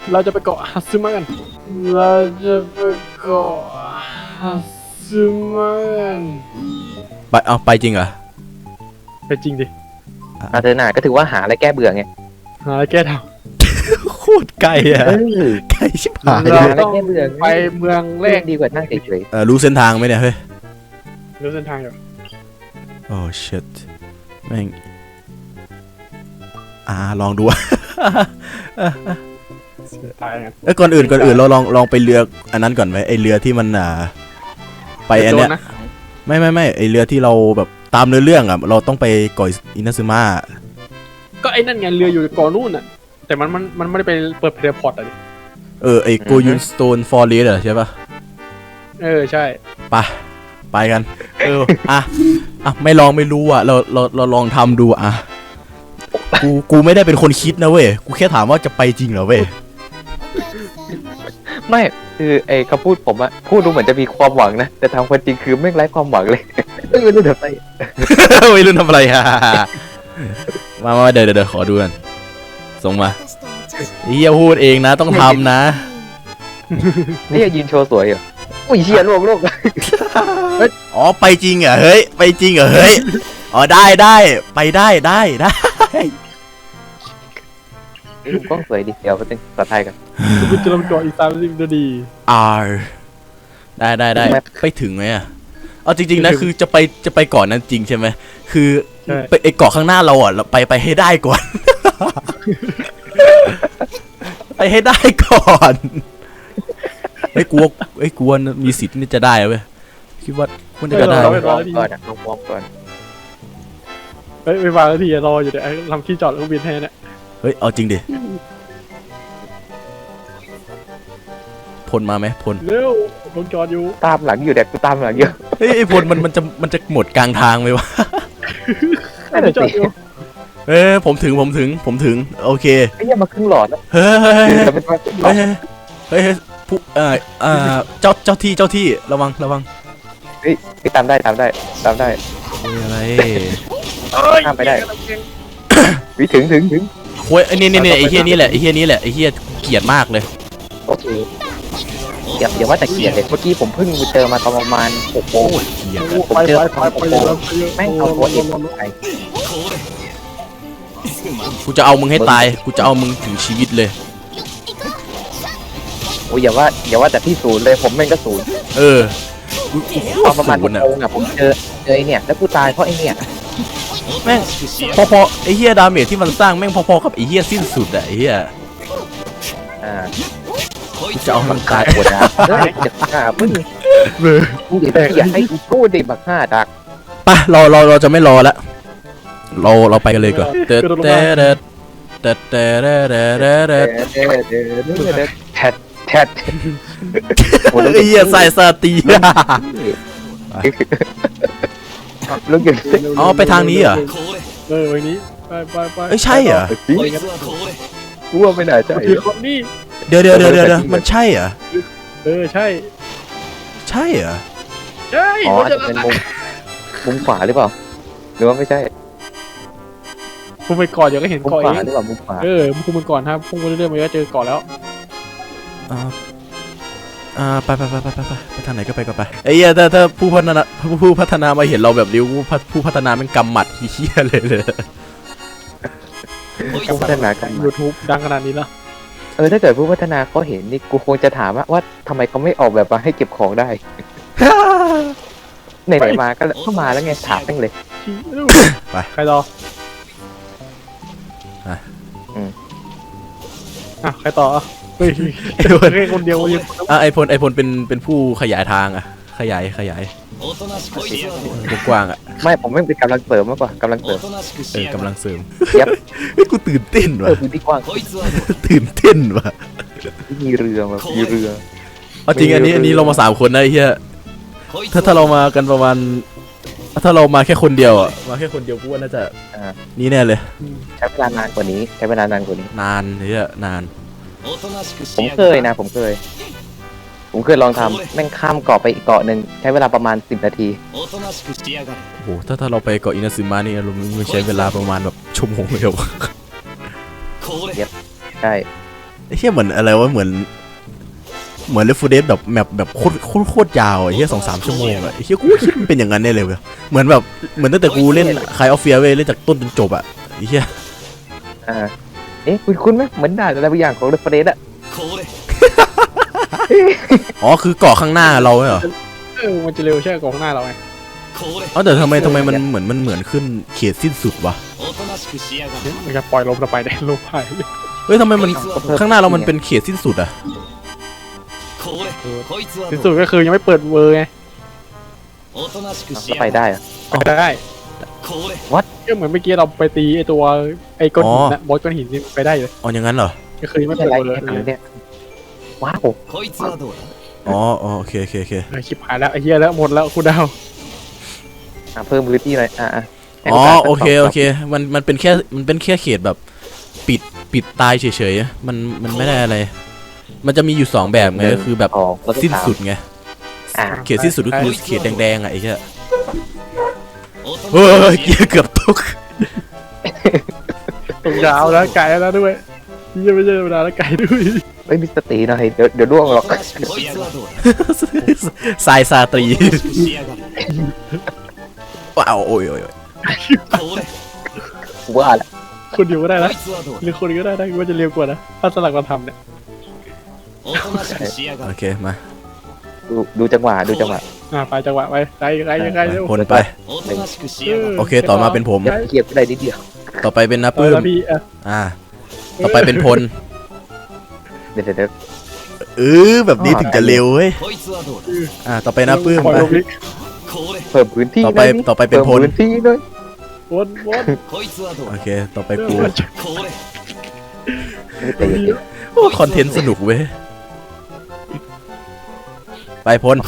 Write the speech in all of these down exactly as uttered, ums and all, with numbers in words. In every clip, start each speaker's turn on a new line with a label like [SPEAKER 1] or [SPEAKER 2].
[SPEAKER 1] เราจะไปเกาะฮัตสึมะกันเราจะไปเกาะฮัตสึมะกัน
[SPEAKER 2] ไปเอาไปจริงเหรอ
[SPEAKER 1] ไปจริงดิ
[SPEAKER 3] อาเธอหนาก็ถือว่าหาอะไรแก้เบื่อไง
[SPEAKER 1] หาอะไรแก้ท
[SPEAKER 2] ำโคตรไกลอะไกลชิบหาย
[SPEAKER 1] เราต้องไปเมืองแรก
[SPEAKER 3] ดีกว่านั่งเฉย
[SPEAKER 2] ๆเออรู้เส้นทางไหมเนี่ยเฮ้ย
[SPEAKER 1] รู้เส้นทางอยู่
[SPEAKER 2] โอ้ shit แม่งอ่าลองดู
[SPEAKER 1] ตายกัน
[SPEAKER 2] เอ้ยก่อนอื่นก่อนอื่นเราลองลองไปเรืออันนั้นก่อนไหมไอเรือที่มันอ่าไปอันเนี้ยไม่ไม่ไม่ไอเรือที่เราแบบตามเนื้อเรื่องอ่ะเราต้องไปเกาะอินาซึมะ
[SPEAKER 1] ก็ไอ้นั่นไงเรืออยู่เกาะนู่นน่ะแต่มันมันมันไม่ได้ไปเปิดเพลย์พอร์ตอะดิ
[SPEAKER 2] เออไอโกยุนสโตนฟอร์เรสต์ใช่ปะ
[SPEAKER 1] เออใช่
[SPEAKER 2] ไปไปกันเอออ่ะอ่ะไม่ลองไม่รู้อ่ะเราเราเราลองทำดูอ่ะกูกูไม่ได้เป็นคนคิดนะเว้ยกูแค่ถามว่าจะไปจริงเหรอเว้ย
[SPEAKER 3] ไม่คือไอ้คำพูดผมอะพูดดูเหมือนจะมีความหวังนะแต่ทางความจริงคือไม่ไร้ความหวังเลยไม่รู้ทำอะไร
[SPEAKER 2] ไม่รู้ทำอะไรฮะมามาเดี๋ยวเดี๋ยวขอดูกันส่งมาเฮียพูดเองนะต้องทำนะ
[SPEAKER 3] นี่ยืนโชว์สวยเหรออุ้ยเฮียโลกโลก
[SPEAKER 2] อ๋อไปจริงเหรอเฮ้ยไปจริงเหรอเฮ้ยอ๋อได้ได้ไปได้ได้ได้
[SPEAKER 3] กล้องสวยดิเดี๋ยวไปเป็นภาษาไทยกัน
[SPEAKER 1] คุณจะลงเกาะอีกสามสิบนาที
[SPEAKER 2] R ได้ได้ได้ไปถึงไหมอ่ะเอาจริงๆนะคือจะไปจะไปเกาะนั้นจริงใช่ไหมคือไปไอเกาะข้างหน้าเราอ่ะเราไปไปให้ได้ก่อนไปให้ได้ก่อนไอ้กลัวไอ้กลัวมีสิทธิ์นี่จะได้เว้ยคิดว่าคุณจะได้
[SPEAKER 3] ลองก่อนลองวอล์กก่อน
[SPEAKER 1] เฮ้ยไปวางทีรออยู่เดี๋ยวทำที่จอดเครื่องบินแทนเนี่ย
[SPEAKER 2] เฮ้ยเอาจริงดิพลมาไหมพล
[SPEAKER 1] เร็วลงจอดอยู่
[SPEAKER 3] ตามหลังอยู่เด็กกูตามหลังเยอะ
[SPEAKER 2] เฮ้ยไอ้พลมันมันจะมันจะหมดกลางทางไหมวะ
[SPEAKER 1] จอดอยู่
[SPEAKER 2] เฮ้ยผมถึงผมถึงผมถึงโอเค
[SPEAKER 3] ไอ้ยังมาครึ่งหลอดแล้ว
[SPEAKER 2] เฮ้ยเฮ้ยเฮ้ยเฮ้ยผู้เอ่อเอ่อเจ้าเจ้าที่เจ้าที่ระวังระวัง
[SPEAKER 3] เฮ้ยไปตามได้ตามได้ตามได้
[SPEAKER 2] อะไร
[SPEAKER 3] ข้ามไปได้วิถึงถึงถึง
[SPEAKER 2] โว้ยไอ้นี่นี่ไอ้เฮียนี่แหละไอ้เฮียนี่แหละไอ้เฮียเกลียดมากเลย
[SPEAKER 3] โอเคเดี๋ยวเดี๋ยวว่าแต่เกลียดเลยเมื่อกี้ผมเพิ่งเจอมาตอนประมาณหกโมงผมเจอตอนหกโมงแม่งเอาตัวเองไป
[SPEAKER 2] กูจะเอามึงให้ตายกูจะเอามึงถึงชีวิตเลย
[SPEAKER 3] โอ้ยอย่าว่าอย่าว่าแต่ที่ศูนย์เลยผมแม่งก็ศูนย์
[SPEAKER 2] เออ
[SPEAKER 3] ตอนประมาณหกโมงอะผมเจอเจอไอเนี่ยแล้วกูตายเพราะไอเนี่ย
[SPEAKER 2] แม่งพอๆไอเฮียดาเมจที่มันสร้างแม่งพอๆกับไอเฮียสิ้นสุดอะไอเฮีย
[SPEAKER 3] อ่า
[SPEAKER 2] จะเอามันตาย
[SPEAKER 3] หมดนะเฮ้ยจะฆ่ามึงมึงอย่าอยากให้กูพูดดิบักฆ่าดัก
[SPEAKER 2] ไปเราเราเราจะไม่รอแล้วเราเราไปกันเลยก่อนเตะเตะเตะเตะเตะเตะเตะเตะเตะ
[SPEAKER 3] แทดแทด
[SPEAKER 2] ไอ้เหี้ยใส่สตี
[SPEAKER 3] ลูกหยุด
[SPEAKER 2] อ๋อไปทางนี้เหรอ
[SPEAKER 1] เออวันนี้ไปไปไป
[SPEAKER 2] เอ้ยใช่เหรอ
[SPEAKER 3] กูว่าไม่น่าใช่
[SPEAKER 1] นี่
[SPEAKER 2] เดี๋ยวเดี๋ยวเดี๋ยวเดี๋ยวมันใช่เหรอ
[SPEAKER 1] เออใช่
[SPEAKER 2] ใช่เหรอ
[SPEAKER 1] ใช่
[SPEAKER 3] อ๋อจะเป็นมุมมุมขวาหรือเปล่าหรือว่าไม่ใช่
[SPEAKER 1] พุ่งไปก่อนเดี๋ยวก็เห็นก่อนเองเออพุ่งไปก่อนครับพุ่งไปเรื่อยๆมันก็เจอก่อนแล้ว
[SPEAKER 2] อ่าอ่าไปไปไปไปไปไปทางไหนก็ไปก็ไปไอ้เหี้ยถ้าถ้าผู้พัฒนาผู้พัฒนามาเห็นเราแบบริ้วผู้พัฒนาเป็นกำหมัดเหี้ยเลยเลย
[SPEAKER 3] ผู้พัฒนากัน
[SPEAKER 1] ยูทูบดังขนาดนี้แล้ว
[SPEAKER 3] เออถ้าเกิดผู้พัฒนาเขาเห็นนี่กูคงจะถามว่าว่าทำไมเขาไม่ออกแบบมาให้เก็บของได้ไหนๆมาก็เข้ามาแล้วไงถามตั้งเลย
[SPEAKER 1] ไปใครรออ่ะใครต่อเฮ้ยไอ้พลแค่คนเดียวยัง
[SPEAKER 2] อ่ะไอพลไอพลเป็นเป็นผู้ขยายทางอ่ะขยายขยายกว้างอ่ะ
[SPEAKER 3] ไม่ผมไม่เป็นกำลังเสริมมากกว่ากำลังเสริม
[SPEAKER 2] เออกำลังเสริม
[SPEAKER 3] ยับ
[SPEAKER 2] เฮ้ยกูตื่นเต้นว่ะ
[SPEAKER 3] พื้นที่กว้าง
[SPEAKER 2] ตื่นเต้นว่ะ
[SPEAKER 3] มีเรือมามีเรือ
[SPEAKER 2] เอาจริงอันนี้อันนี้เรามาสามคนนะไอ้เหี้ยถ้าถ้าเรามากันประมาณถ้าเรามาแค่คนเดียวอ่ะมาแค่คนเดียวกูว่าน่าจะนี่แน่เลย
[SPEAKER 3] ใช้เวลานานกว่านี้ใช้เวลานานกว่านี้
[SPEAKER 2] นานเนี่ยนาน
[SPEAKER 3] ผมเคยนะผมเคยผมเคยลองทำแม่งข้ามเกาะไปอีกเกาะหนึ่งใช้เวลาประมาณสิบนาที
[SPEAKER 2] โอ้โหถ้าถ้าเราไปเกาะอินาซึมะนี่เราใช้เวลาประมาณแบบชั่วโมงเดียว
[SPEAKER 3] เย็บใช่
[SPEAKER 2] ไอ้เหี้ยเหมือนอะไรวะเหมือนเหมือนเลฟฟูเดสแบบแมปแบบโคตรโคตรโคตรยาวไอ้เหี้ยสองสามชั่วโมงอะไอ้เหี้ยกูคิดมันเป็นอย่างนั้นแน่เลยเว้ยเหมือนแบบเหมือนตั้งแต่กูเล่นคายออฟเฟียเว้ยเล่นจากต้นจนจบอะไอ้เหี้ย
[SPEAKER 3] อ่าเอ๊ะคุณคุณไหมเหมือนด่านอะไรบางอย่างของเรฟเฟรนซ์อะ
[SPEAKER 2] อ๋อคือเกาะข้างหน้าเราเหรอ
[SPEAKER 1] เออมันจะเร็วใช่กองหน้าเราไง
[SPEAKER 2] อ๋อแต่ทำไมทำไมมันเหมือนมันเหมือนขึ้นเขตสิ้นสุดวะ
[SPEAKER 1] มันจะปล่อยลมเราไปได้ลมไป
[SPEAKER 2] เฮ้ยทำไมมันข้างหน้าเรามันเป็นเขตสิ้นสุดอะ
[SPEAKER 1] ที่สุดก็คือยังไม่เปิดเวอร์ไง
[SPEAKER 3] ก็ไปได้อะ
[SPEAKER 1] ไปได้
[SPEAKER 3] What?
[SPEAKER 1] ก็เหมือนเมื่อกี้เราไปตีไอตัวไอก้อนหินนะบอสก้อนหินนี่ไปได้เลย
[SPEAKER 2] อ๋ออย่างนั้นเหรอ
[SPEAKER 1] ก็คือยังไม่
[SPEAKER 3] ไม่
[SPEAKER 1] เปิ
[SPEAKER 3] เป็น
[SPEAKER 1] ด
[SPEAKER 3] ไร
[SPEAKER 1] เวอร์
[SPEAKER 3] แค่
[SPEAKER 1] เลย
[SPEAKER 3] ทำเนี่ยว้าว
[SPEAKER 2] อ๋ออ๋อโอเคโอเคโอเค
[SPEAKER 1] เออชิบหายแล้วไอ้เหี้ยแล้วหมดแล้วคุณดาว
[SPEAKER 3] อ่ะเพิ่มพื้นที่หน่อยอ่ะอ่ะให้
[SPEAKER 2] อ๋อ
[SPEAKER 3] โกาส
[SPEAKER 2] โอเค
[SPEAKER 3] สักสง
[SPEAKER 2] โอเคมันมันเป็นแค่มันเป็นแค่เขตแบบปิดปิดตายเฉยๆมันมันไม่ได้อะไร มันจะมีอยู่สองแบบไงก็คือแบบ
[SPEAKER 3] สองแล้วก็
[SPEAKER 2] สิ้น
[SPEAKER 3] สาม
[SPEAKER 2] สุดไง
[SPEAKER 3] อ่ะ
[SPEAKER 2] เขตสิ้นสุดก็คือเขตแดงๆอ่ะไอ้เหี้ยเฮ้ยเกียร์เกือบตก
[SPEAKER 1] ตรงยาวแล้วไก่แล้วด้วยยี่ไม่ใช่ธรรมดาแล้วไก่ด้วย
[SPEAKER 3] ไม่มีสติหน่อยเดี๋ยวเดี๋ยวร่วงหรอก
[SPEAKER 2] สายซาตรีว้าวโอ้ยโอ้ยโอ้ย
[SPEAKER 3] กูว่าแหละ
[SPEAKER 1] คนเดียวก็ได้นะหรือคนเดียวก็ได้นะว่าจะเร็วกว่านะถ้าสลักมาทำเนี่ย
[SPEAKER 2] โอเคมา
[SPEAKER 3] ดูดูจังหวะดูจังหวะ
[SPEAKER 1] อ่าไปจังหวะไปไกลไกลไกลเร็ว
[SPEAKER 2] คนไป โอเคต่อมาเป็นผม
[SPEAKER 3] เดี๋ยวเกียบไปได้นิดเดียว
[SPEAKER 2] ต่อไปเป็นนับ
[SPEAKER 1] เอ
[SPEAKER 2] ปื้
[SPEAKER 1] อ
[SPEAKER 2] ม
[SPEAKER 1] แล้วพี่อ่ะ
[SPEAKER 2] อ่า ต่อไปเป็นพล
[SPEAKER 3] เดี๋ยวเดี๋ยวเดี๋ยว
[SPEAKER 2] เออแบบนี้ถึงจะเร็วเว้ยอ่าต่อไปนับปื้ม
[SPEAKER 1] ปล่อย
[SPEAKER 2] ไป
[SPEAKER 1] ลมลิก
[SPEAKER 3] เพิ่มพื้นที่
[SPEAKER 2] ต่อไป
[SPEAKER 3] หน่ย
[SPEAKER 2] ต่อไปเป็นพล
[SPEAKER 3] พิ่มพื้นที่ด้วย
[SPEAKER 1] วนวน
[SPEAKER 2] โอเคต่อไปกู
[SPEAKER 3] ไม่แต่อย่าเดี๋ยว
[SPEAKER 2] โอ้คอนเทนต์สนุกเว้ยไปพล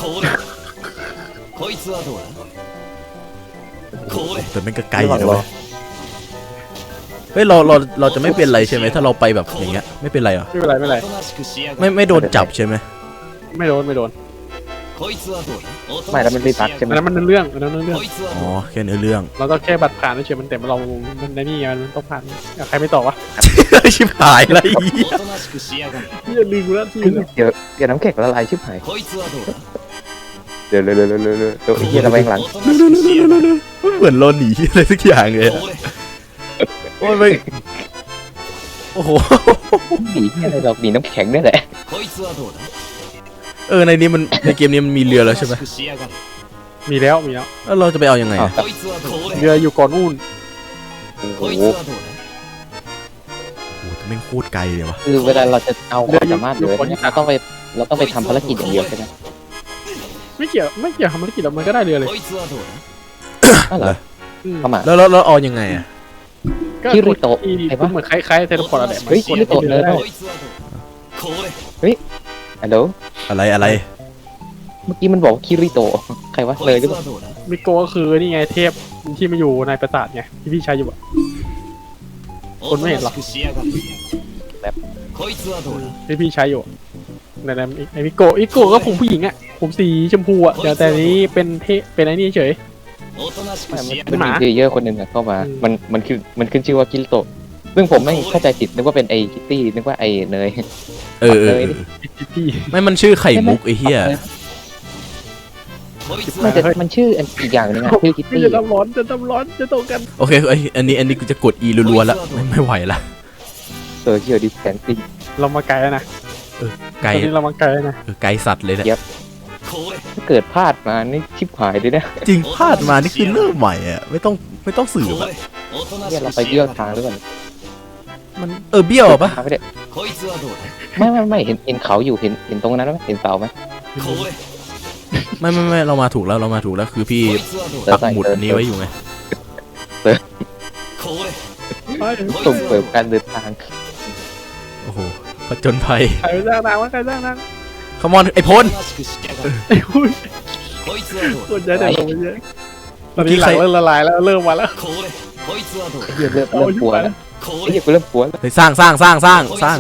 [SPEAKER 2] แต่มันก็ไกลอยู่นะเว้ยเฮ้ยเราเราเราจะไม่เป็นไรใช่ไหมถ้าเราไปแบบอย่างเงี้ยไม่เป็นไรเหรอ
[SPEAKER 1] ไม่เป็นไรไม่เป็นไร
[SPEAKER 2] ไม่ไม่โดนจับใช่ไหม
[SPEAKER 1] ไม่โดนไม่โดน
[SPEAKER 3] ไม่แล้วมันไม่ปักใช่ไหม
[SPEAKER 1] อันนั้นมันเรื่องอันนั้นเรื่อง
[SPEAKER 2] อ๋อแค่เนื้อเรื่อง
[SPEAKER 1] เราต้องแค่บัตรผ่านเฉยมันแต่เรา มันในนี่มันต้องผ่านอ่ะใครไม่ตอบวะ
[SPEAKER 2] ชิบหายอะไร
[SPEAKER 1] อย่าลืมแล้วที่
[SPEAKER 3] เดี๋ยวเดี๋ยวน้ำแข็งละลายชิบหายเดี๋ยวเร็วเร็วเร็วเร็วเร็วเดี๋ยวไอ้เหี้ยระแวงหลัง
[SPEAKER 2] เหมือนเราหนีอะไรสักอย่างเลยอะโอ้ยไม่โอ้โห
[SPEAKER 3] หนีที่อะไรเราหนีน้ำแข็งนี่แหละ
[SPEAKER 2] เออในนี้มันในเกมนี้มันมีเรือแล้วใช่ไหม
[SPEAKER 1] มีแล้วมีแล้ว
[SPEAKER 2] แล้วเราจะไปเอายังไงอะ
[SPEAKER 1] เรืออยู่ก่อนนู่น
[SPEAKER 3] โอ้โห
[SPEAKER 2] โอ้โหแต่แม่งโคตรไกลเลยวะ
[SPEAKER 3] คือเวลาเราจะเอาความสามารถเลยเนี่ยเราต้องไปเราต้องไปทำภารกิจอย่างเดียวใช่ไหม
[SPEAKER 1] ไม่เกี่ยวไม่เกี่ยวทำภารกิจเรามันก็ได้เรือเลย
[SPEAKER 3] อ้าวเหรอ
[SPEAKER 1] อืม
[SPEAKER 3] เข้ามา
[SPEAKER 2] แล้วแล้วแล้วเอายังไงอะ
[SPEAKER 1] ก็
[SPEAKER 3] คิริโตะ
[SPEAKER 1] ที่
[SPEAKER 3] ไอ้วะ
[SPEAKER 1] เหมือนคล้ายๆเทเลพอร์ตอะไร
[SPEAKER 3] เฮ้ยคิริโตะเลยเนอะ ฮัลโหล
[SPEAKER 2] อะไรอะไร
[SPEAKER 3] เมื่อกี้มันบอกว่าคิริโตะใครวะเลยหรือเปล่า
[SPEAKER 1] มิโกก็คือนี่ไงเทพที่มาอยู่ในปราสาทไงที่พี่ใช้อยู่อะ คนไม่เห็นหรอ ที่พี่ใช้อยู่ในนั้นไอมิโกะมิโกะก็ผมผู้หญิงอะผมสีชมพูอะเดี๋ยวแต่นี้เป็นเทเป็นไอ้นี่เฉย
[SPEAKER 3] มันมันมีเพลเยอร์คนหนึ่งอะเข้ามา มันมันคือมันขึ้นชื่อว่าคิริโตะซึ่งผมไม่เข้าใจผิดนึกว่าเป็นไอคิตตี้นึกว่าไอเนย
[SPEAKER 2] เออเออเออ
[SPEAKER 1] พี่
[SPEAKER 2] ไม่มันชื่อไข่มุกไอ้เหี้ย
[SPEAKER 3] มันจะมันชื่ออันอีกอย่างหนึงอะชื่อคิต
[SPEAKER 1] พี่
[SPEAKER 3] ตี้
[SPEAKER 1] จะทำร้อนจะทำร้อนจะตกกัน
[SPEAKER 2] โอเคไออันนี้อันนี้กูจะกด E รัวๆแล้วไม่ไม่ไหวละ
[SPEAKER 3] โซเชียลดิสแทนซิ่ง
[SPEAKER 1] เรามาไกลแล้วนะ
[SPEAKER 2] ไกล
[SPEAKER 1] ตอนนี้เรามาไกลแล้วนะ
[SPEAKER 2] เออไกลสัตว์เลยเนี่ย
[SPEAKER 3] ถ้าเกิดพลาดมานี่ชิบหายเลยนะ
[SPEAKER 2] จริงพลาดมานี่คือเริ่มใหม่อะไม่ต้องไม่ต้องสืบอะ
[SPEAKER 3] เนี่ยเราไปเบี้ยวทางหรือเปล่า
[SPEAKER 2] มันเออเบี้ยวอะปะ
[SPEAKER 3] ทางไม่ได้ไม่ไม่ไม่เห็นเห็นเขาอยู่เห็นเห็นตรงนั้นไหมเห็นเสาไหม
[SPEAKER 2] ไม่ไม่ไม่เรามาถูกแล้วเรามาถูกแล้วคือพี่ปักหมุดอันนี้ไว้อยู่ไง
[SPEAKER 1] ไป
[SPEAKER 3] ส่งเสริมการเดินทาง
[SPEAKER 2] โอ้โหผจญภัย
[SPEAKER 1] ใครไปสร้างนางวะใครสร้างนาง
[SPEAKER 2] ขมอนไอพล
[SPEAKER 1] ไอ้หุ้ยคนใจแต่ลงไปเยอะตอนนี้หลังเริ่มละลายแล้วเริ่มมาแล้ว
[SPEAKER 3] เริ่มเริ่มเริ่มกลัวแล้วไอ้เหี้ยกูเริ่มกลัวแล้ว
[SPEAKER 2] ไปสร้างสร้างสร้างสร้างสร้าง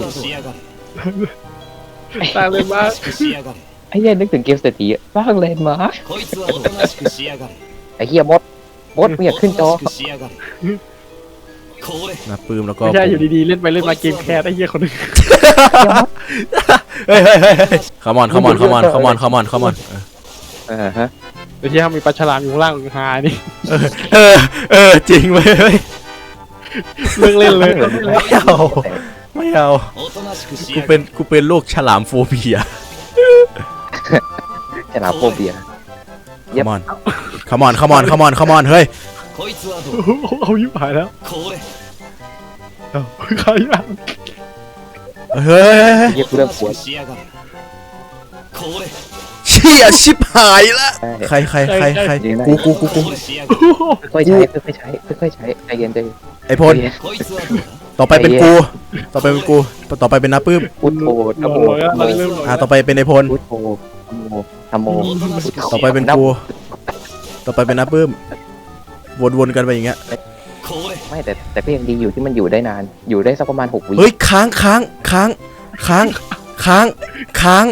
[SPEAKER 1] สร้างเลยมา
[SPEAKER 3] ไอ้เหี้ยนึกถึงเกมเศรษฐีอะสร้างเลนมาร์คไอ้เหี้ยมดมดเนี่ยขึ้นจอ
[SPEAKER 2] นะปื้มแล้วก็
[SPEAKER 1] ไม่ใช่อยู่ดีๆเล่นไปเล่นมาเกมแคสไอ้เหี้ยคนหนึง
[SPEAKER 2] เฮ้ยเฮ้ยเฮ้ยเฮ้ยขมอนขมอนขมอนขมอนขมอนขมอน
[SPEAKER 3] เออฮะ
[SPEAKER 1] ไอ้เหี้ยมีปลาฉลามอยู่ข้างล่างหานี่
[SPEAKER 2] เออเออจริงเว้ยเฮ้ย
[SPEAKER 1] เลิกเล่นเลย
[SPEAKER 2] ไม่เอาไม่เอากูเป็นกูเป็นโรคฉลามโฟเบีย
[SPEAKER 3] ฉลามโฟเบีย
[SPEAKER 2] ขมอนขมอนขมอนขมอนขมอนเฮ้ย
[SPEAKER 1] เอายิ่งหายแล้วเอาใครอ่ะ
[SPEAKER 2] เฮ้ย
[SPEAKER 3] เรียกเรื่องปวด
[SPEAKER 2] เชี่ยชิบหายละใครใครใครใครกูกูกูกู
[SPEAKER 3] ค่อยๆใช้ค่อยๆใช้ค่อยๆใช้ใจเย็นใจเย็น
[SPEAKER 2] ไอพลต่อไปเป็นกู ต่อไปเป็นกู ต่อไปเป็นน้าปื้ม
[SPEAKER 3] พุทโธธโม
[SPEAKER 1] เราเริ่มหน่อย
[SPEAKER 2] อ่าต่อไปเป็นไอพล
[SPEAKER 3] พุทโธธโมธโม
[SPEAKER 2] ต่อไปเป็นกู ต่อไปเป็นน้าปื้มวนๆกันไปอย่างเงี้ย
[SPEAKER 3] ไม่แต่แต่ก็ยังดีอยู่ที่มันอยู่ได้นาน อยู่ได้สักประมาณหกวิ
[SPEAKER 2] เฮ้ยค้างค้างค้างค้างค้างค้าง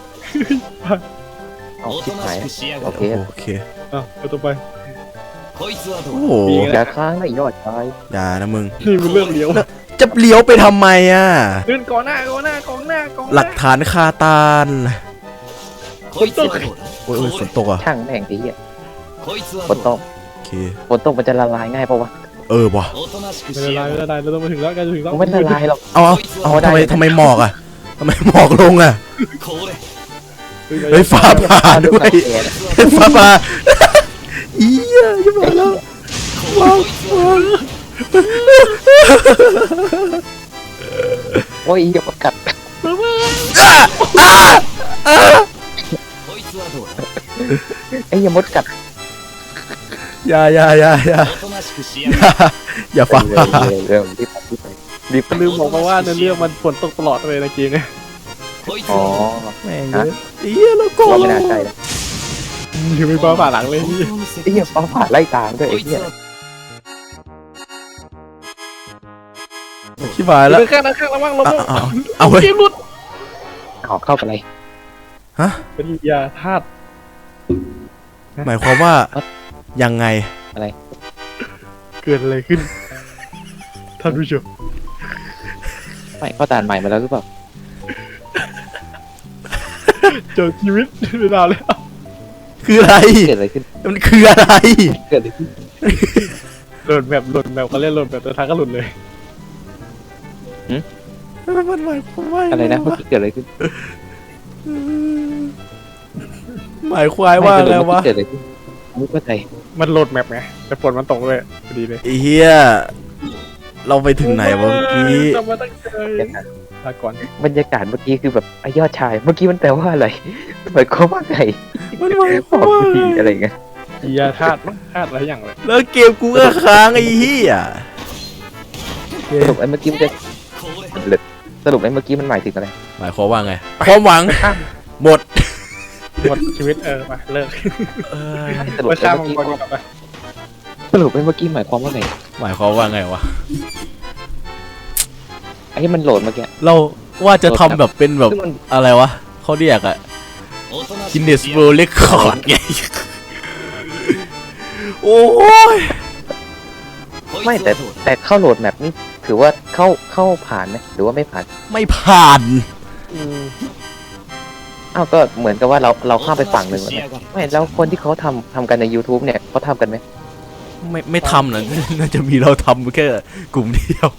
[SPEAKER 3] เอาชิบหายโอเค
[SPEAKER 2] โอเค
[SPEAKER 1] อ่ะเอาต่อไป
[SPEAKER 2] โอ้โห
[SPEAKER 3] อย่าค้างนะยอดชาย
[SPEAKER 2] อย่านะมึง
[SPEAKER 1] นี่มันเริ่มเลี้ยว
[SPEAKER 2] จะเลี้ยวไปทำไมอ่ะ
[SPEAKER 1] เดินก่อนหน้าก่อนหน้ากองหน้ากอง
[SPEAKER 2] หลักฐานคาตาน
[SPEAKER 1] คนตก
[SPEAKER 2] โอ้ยโอ้ยฝนตกอ่ะ
[SPEAKER 3] ช่างแม่งทีเหี้ยฝนตก
[SPEAKER 2] โอเค
[SPEAKER 3] ฝนตกมันจะละลายง่ายปะวะ
[SPEAKER 2] เออว่ะ
[SPEAKER 1] ไม่ละลายไม่ละลายเราต้องมาถึงแล้วใกล้จะถึงแล้ว
[SPEAKER 3] มันไม่ละลายหรอก
[SPEAKER 2] เอาเอาเอา
[SPEAKER 3] เอาได้
[SPEAKER 2] ทำไมทำไมหมอกอ่ะทำไมหมอกลงอ่ะ เฮ้ยฟ้าผ่าด้วยฟ้าผ่าอีเหี้ยยังมาแล้วว้าวว้าว
[SPEAKER 3] โอ้ยอย่าประกัดไอ้ยามดกัด
[SPEAKER 2] อย่าอย่าอย่าอย่าอย่าอย่าฟ้าผ่า
[SPEAKER 3] เร็วรีบไปรีบไปรีบไป
[SPEAKER 1] ลืมบอกมาว่าในเรื่องมันฝนตกตลอดเลยนะเกมเนี่ย
[SPEAKER 3] อ๋อ
[SPEAKER 2] แม่งเยอะอีเหี้ยแล้วก็
[SPEAKER 3] ก็ไม่น่าใช่นะ
[SPEAKER 1] ยังไม่ฟ้าผ่าหลังเลยพี่
[SPEAKER 3] ไอ้เหี้ยฟ้าผ่าไล่ตามด้วยไอ้เหี้ย
[SPEAKER 2] ชิบหายแล้ว
[SPEAKER 1] เดินข้างนะข้างระวังระ
[SPEAKER 2] เอา
[SPEAKER 1] วัง
[SPEAKER 2] เอาเอาเฮ้ย
[SPEAKER 1] เกมหลุด
[SPEAKER 3] เอาเข้าไปเลย
[SPEAKER 2] ฮะ
[SPEAKER 1] เป็นยาธาตุ
[SPEAKER 2] หมายความว่ายังไง
[SPEAKER 1] เกิดอะไรขึ้นท่านผู้ชม
[SPEAKER 3] ไม่เข้าด่านใหม่มาแล้วหรือเปล่า
[SPEAKER 1] เจอชีวิตไม่ได้แล้ว
[SPEAKER 2] คืออะไร
[SPEAKER 3] เกิดอะไรขึ้น
[SPEAKER 2] มันคืออะไร
[SPEAKER 3] เกิดอะไรขึ้น
[SPEAKER 1] หล่นแบบหล่นแบบเขาเรียกหล่นแบบแต่ทางก็หล่นเลย
[SPEAKER 2] มันหมายความว่า
[SPEAKER 3] อะไรนะเมื่อกี้เกิดอะไรขึ้น
[SPEAKER 2] หมายความว่าอะไรวะ
[SPEAKER 3] เกิดอะไรขึ้นไม่เข้าใจ
[SPEAKER 1] มันโหลดแมปไงแต่ฝนมันตกเลยพอดีเลย
[SPEAKER 2] ไอ้เหี้ยเราไปถึงไหนวะเมื่อกี้
[SPEAKER 1] ทำมาตั้งใจลาก่อน
[SPEAKER 3] บรรยากาศเมื่อกี้คือแบบไอ้ยอดชาย เมื่อกี้มันแปลว่าอะไรหมายความว่าไง
[SPEAKER 2] มันหมายค
[SPEAKER 3] บ
[SPEAKER 2] วาม
[SPEAKER 3] อก
[SPEAKER 2] ว่า
[SPEAKER 3] ดีอะไรเงี้ย
[SPEAKER 1] ยาธาตุมั้งธาตุอะไรอย่างเลย
[SPEAKER 2] แล้วเกมกูก็ค้างไอ้เหี้ย
[SPEAKER 3] สรุปไอ้เมื่อกี้มันจะสรุปไอ้เมื่อกี้มันหมายถึงอะไร
[SPEAKER 2] หมายความว่าไงความหวังหมด
[SPEAKER 1] หมดชีวิตเออไปเลิก
[SPEAKER 2] เออ
[SPEAKER 3] สรุป
[SPEAKER 1] ไป
[SPEAKER 3] ไอ้
[SPEAKER 1] ข้าม
[SPEAKER 3] เมื่อ
[SPEAKER 1] มัง
[SPEAKER 3] กี้
[SPEAKER 1] กรกลับไป
[SPEAKER 3] สรุปไอ้เมื่อกี้หมายความว่าไง
[SPEAKER 2] หมายความว่าไงวะ
[SPEAKER 3] ไอ้ที่มันโหลดเมื่อกี้
[SPEAKER 2] เราว่าจะทำแบบเป็นแบบ
[SPEAKER 3] ซึ่งมัน
[SPEAKER 2] อะไรวะเขาเรียกอะ Guinness World Record ไงโอ้ย
[SPEAKER 3] ไม่แต่แต่เข้าโหลดแมปนี่ถือว่าเข้าเข้าผ่านไหมหรือว่าไม่ผ่าน
[SPEAKER 2] ไม่ผ่าน
[SPEAKER 3] อ้าวก็เหมือนกับว่าเราเราข้ามไปฝั่งหนึ่งแล้วเนี่ยไม่แล้วคนที่เขาทำทำกันใน YouTube เนี่ยเขาทำกันไหม
[SPEAKER 2] ไม่ไม่ทำหรอกน่าจะมีเราทำแค่กลุ่มเดียว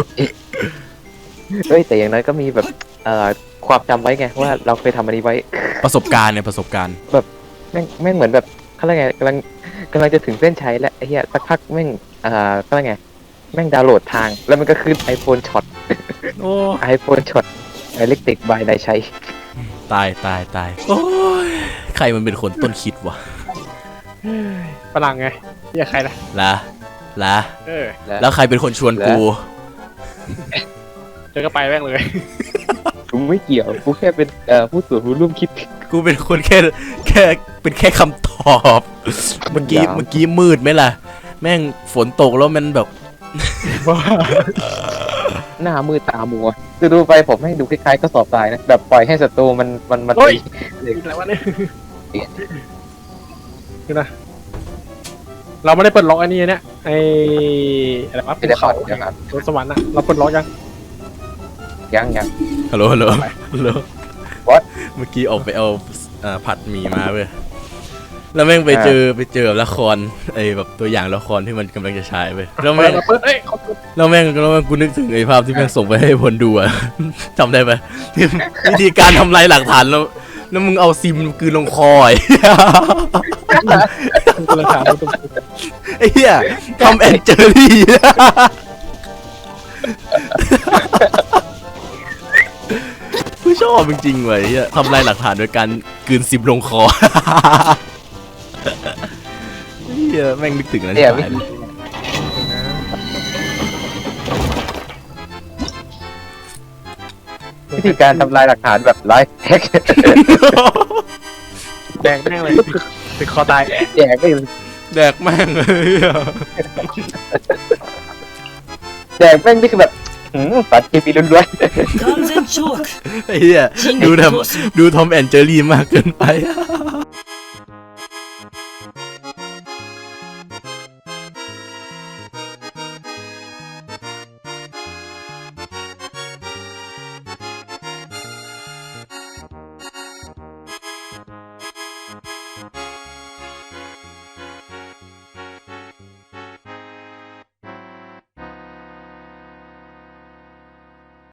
[SPEAKER 3] เฮ้ยแต่อย่างน้อยก็มีแบบเอ่อความจำไว้ไงว่าเราเคยทำอันนี้ไว้
[SPEAKER 2] ประสบการณ์เนี่ยประสบการณ์
[SPEAKER 3] แม่งแม่งเหมือนแบบเขาเรียกไงกำลังกำลังจะถึงเส้นชัยแล้วไอ้เหี้ยสักพักแม่งเอ่อเขาเรียกไงแม่งดาวน์โหลดทาง แล้วมันก็ขึ้น iPhone Shot
[SPEAKER 2] โอ้
[SPEAKER 3] iPhone Shot Electric by นายชัย
[SPEAKER 2] ตายตายตายโอ้ยใครมันเป็นคนต้นคิดวะ
[SPEAKER 1] ฝรั่งไงเรียกใครล่ะ
[SPEAKER 2] ละละ
[SPEAKER 1] เออ
[SPEAKER 2] แล้วใครเป็นคนชวนกู
[SPEAKER 1] เจอก็ไปแม่งเลย
[SPEAKER 3] กูไม่เกี่ยวกูแค่เป็นเอ่อผู้ส่วนผู้ร่วมคิด
[SPEAKER 2] กูเป็นคนแค่แค่เป็นแค่คำตอบ เมื่อกี้
[SPEAKER 3] ยาว
[SPEAKER 2] เมื่อกี้มืดไหมล่ะ แม่งฝนตกแล้วมันแบบ
[SPEAKER 1] ว่า
[SPEAKER 3] หน้ามืดตามัวคือดูไปผมให้ดูคล้ายๆก็สอบตายนะแบบปล่อยให้ศัตรูมันมันมันตี
[SPEAKER 1] อะไรวะเนี่ยคือนะเราไม่ได้เปิดล็อกอันนี้เนี่ยไอ้อะไรวะ
[SPEAKER 3] ไม่ได้
[SPEAKER 1] ภู
[SPEAKER 3] เข้า
[SPEAKER 1] เขา
[SPEAKER 3] เดี๋ยวครับ
[SPEAKER 1] บนสวรรค์อะเราปลดล็อกยัง
[SPEAKER 3] ยังยัง
[SPEAKER 2] ฮัลโหลฮัลโหลฮัลโหล
[SPEAKER 3] What?
[SPEAKER 2] เมื่อกี้ออกไปเอาอ่าผัดหมี่มาเว้ยแล้วแม่งไปเจอไปเจอแบบละครไอ้แบบตัวอย่างละครที่มันกำลังจะฉายไปแล้ว
[SPEAKER 1] เปิ
[SPEAKER 2] แม่
[SPEAKER 1] ด
[SPEAKER 2] ง
[SPEAKER 1] มาเปิดเอ้ยเขาเปิด
[SPEAKER 2] แล้วแม่งแล้วแม่งกูนึกถึงไอ้ภาพที่แม่งส่งไปให้พลดูอะ จำได้ไหมที่วิธีการทำลายหลักฐานแล้วแล้วมึงเอาซิมกลืนลงคอไอ้
[SPEAKER 1] ตัวละครตัว
[SPEAKER 2] ไอ้เหี้ยทอมแอนเจอรี่ กูชอบจริงๆเว้ยเหี้ยทำลายหลักฐานโดยการกลืนซิมลงคอ เหี้ยแม่งนึกถึงอันนั้น
[SPEAKER 3] เนี่ย
[SPEAKER 2] ชิบหายเลย
[SPEAKER 3] วิธีการทำลายหลักฐานแบบไลฟ์แฮก
[SPEAKER 1] แดงแม่งเลยติดคอตาย
[SPEAKER 3] แจกไม่
[SPEAKER 2] แดกแม่งเลย อะ
[SPEAKER 3] แจกแม่งนี่คือแบบหืมปัดกีบีล้วน
[SPEAKER 4] 完全チョーク
[SPEAKER 2] ไอ้เหี้ยดูทำดูทอมแอนเจอรี่มากเกินไป
[SPEAKER 4] 完